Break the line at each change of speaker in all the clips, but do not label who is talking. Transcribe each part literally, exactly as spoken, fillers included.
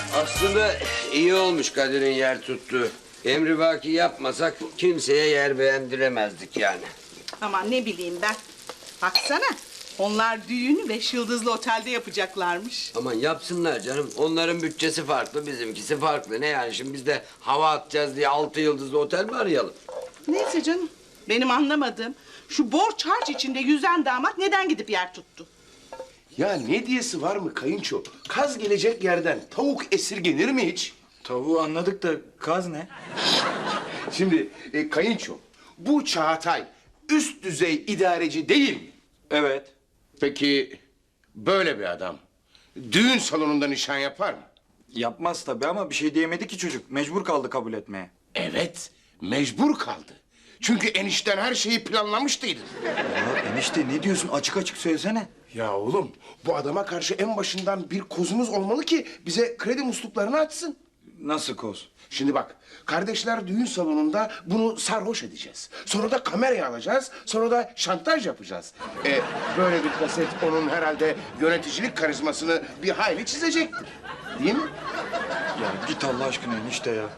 Aslında iyi olmuş Kadir'in yer tuttuğu. Emri vaki yapmasak kimseye yer beğendiremezdik yani.
Aman ne bileyim ben. Baksana. Onlar düğünü beş yıldızlı otelde yapacaklarmış.
Aman yapsınlar canım. Onların bütçesi farklı, bizimkisi farklı. Ne yani şimdi biz de hava atacağız diye altı yıldızlı otel mi arayalım?
Neyse canım. Benim anlamadığım şu borç harç içinde yüzen damat neden gidip yer tuttu?
Ya ne diyesi var mı kayınço? Kaz gelecek yerden tavuk esirgenir mi hiç?
Tavuğu anladık da kaz ne?
Şimdi e, kayınço, bu Çağatay üst düzey idareci değil mi?
Evet.
Peki böyle bir adam düğün salonunda nişan yapar mı?
Yapmaz tabii ama bir şey diyemedi ki çocuk. Mecbur kaldı kabul etmeye.
Evet, mecbur kaldı. Çünkü enişten her şeyi planlamıştıydı.
Ya enişte ne diyorsun? Açık açık söylesene.
Ya oğlum, bu adama karşı en başından bir kozumuz olmalı ki bize kredi musluklarını açsın.
Nasıl koz?
Şimdi bak, kardeşler düğün salonunda bunu sarhoş edeceğiz. Sonra da kameraya alacağız, sonra da şantaj yapacağız. E, böyle bir kaset onun herhalde yöneticilik karizmasını bir hayli çizecektir. Değil mi?
Ya git Allah aşkına enişte ya.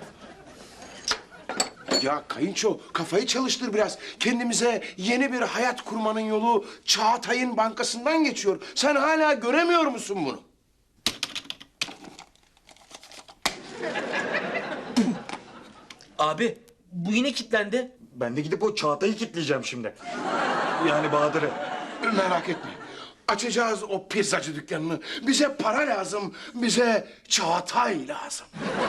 Ya kayınço, kafayı çalıştır biraz. Kendimize yeni bir hayat kurmanın yolu Çağatay'ın bankasından geçiyor. Sen hala göremiyor musun bunu?
Abi bu yine kilitlendi.
Ben de gidip o Çağatay'ı kilitleyeceğim şimdi. Yani Bahadır'ı.
Merak etme. Açacağız o pizzacı dükkanını. Bize para lazım, bize Çağatay lazım.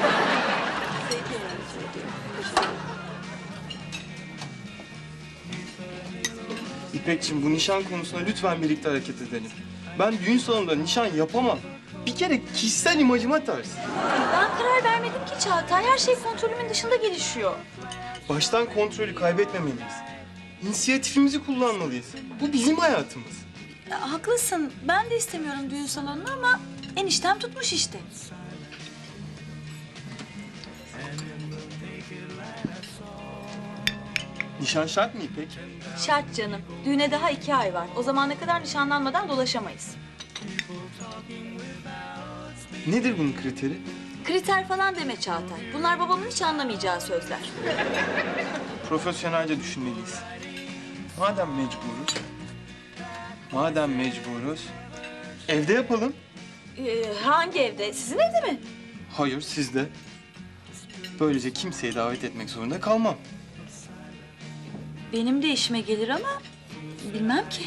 İpekçim, bu nişan konusunda lütfen birlikte hareket edelim. Ben düğün salonunda nişan yapamam. Bir kere kişisel imajıma ters.
Ben karar vermedim ki Çağatay. Her şey kontrolümün dışında gelişiyor.
Baştan kontrolü kaybetmemeliyiz. İnisiyatifimizi kullanmalıyız. Bu bizim hayatımız.
Ya, haklısın. Ben de istemiyorum düğün salonunu ama eniştem tutmuş işte.
Nişan şart mı İpek?
Şart canım. Düğüne daha iki ay var. O zamana kadar nişanlanmadan dolaşamayız.
Nedir bunun kriteri?
Kriter falan deme Çağatay. Bunlar babamın hiç anlamayacağı sözler.
Profesyonelce düşünmeliyiz. Madem mecburuz, madem mecburuz, evde yapalım.
Ee, hangi evde? Sizin evde mi?
Hayır, sizde. Böylece kimseyi davet etmek zorunda kalmam.
Benim de işime gelir ama bilmem ki.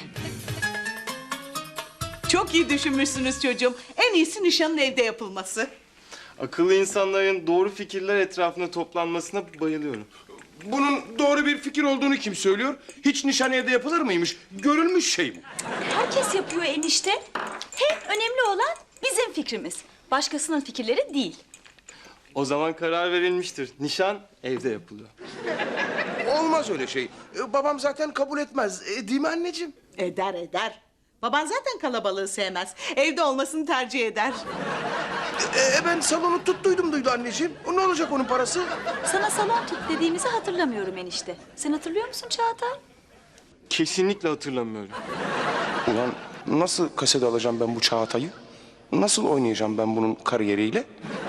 Çok iyi düşünmüşsünüz çocuğum. En iyisi nişanın evde yapılması.
Akıllı insanların doğru fikirler etrafında toplanmasına bayılıyorum.
Bunun doğru bir fikir olduğunu kim söylüyor? Hiç nişan evde yapılır mıymış? Görülmüş şey mi?
Herkes yapıyor enişte. Hem önemli olan bizim fikrimiz. Başkasının fikirleri değil.
O zaman karar verilmiştir. Nişan evde yapılıyor.
Olmaz öyle şey. E, babam zaten kabul etmez. E, değil mi anneciğim?
Eder eder. Baban zaten kalabalığı sevmez. Evde olmasını tercih eder.
E, ben salonu tuttuydum duydu anneciğim. Ne olacak onun parası?
Sana salon tut dediğimizi hatırlamıyorum enişte. Sen hatırlıyor musun Çağatay?
Kesinlikle hatırlamıyorum.
Ulan nasıl kasede alacağım ben bu Çağatay'ı? Nasıl oynayacağım ben bunun kariyeriyle?